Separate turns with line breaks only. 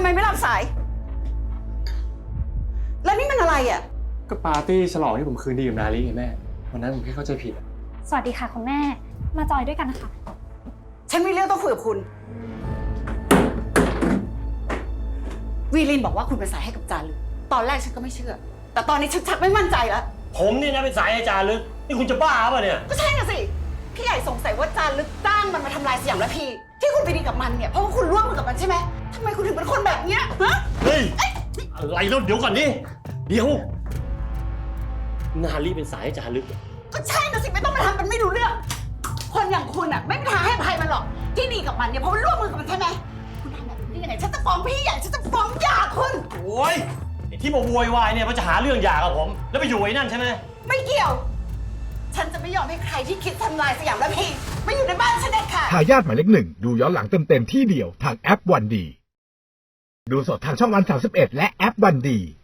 ไม่รับสาย แล้วนี่มันอะไรอ่ะ
ก็ปาร์ตี้ฉลองที่ผมคืนดีกับนาลีไงแม่วันนั้นผมแค่เข้าใจผิด
สวัสดีค่ะคุณแม่มาจอยด้วยกันนะคะ
ฉันมีเรื่องต้องคุยกับคุณ วีลินบอกว่าคุณเป็นสายให้กับจารึกตอนแรกฉันก็ไม่เชื่อ แต่ตอนนี้ฉันชักไม่มั่นใจแล้ว
ผมเนี่ยนะเป็นสายอาจารย์ลึกนี่คุณจะบ้าป่ะเนี่ย
ก็ใช่น่ะสิ พี่ใหญ่สงสัยว่าจารึกจ้างมันมาทำลายสยามระพีที่คุณไปดีกับมันเนี่ยเพราะว่าคุณร่วมมือกับมันใช่ไหมทำไมคุณถึงเป็นคนแบบเนี้ยฮะ
เฮ้ย อะไรแล้วเดี๋ยวก่อนดิเดี๋ยว นาลีเป็นสายอาจารย์ลึก
ก็ใช่น่ะสิไม่ต้องมาทำเป็นไม่รู้เรื่อง คนอย่างคุณอ่ะไม่มีทางให้อภัยมันหรอก ที่ดีกับมันเนี่ยเพราะว่าร่วมมือกับมันใช่ไหมคุณทำแบบนี้ได้ยังไงฉันจะฟ้องพี่ใหญ่ฉันจะฟ้องหย่าคุณ
โอ้ยไอ้ที่มาโวยวายเนี่ยมันจะหาเรื่องหย่ากับผม แล้วไปอยู่ไอ้นั่นใช่ไหม
ไม่เกี่ยว ฉันจะไม่ยอมให้ใครที่คิดทำลายสยามระพีมาอยู่ในบ้านฉันเด็ดขาด
ทายาทหมายเลข 1ดูย้อนหลังเต็มๆที่เดียวทางแอปวันดีดูสดทางช่องวัน31และแอปวันดี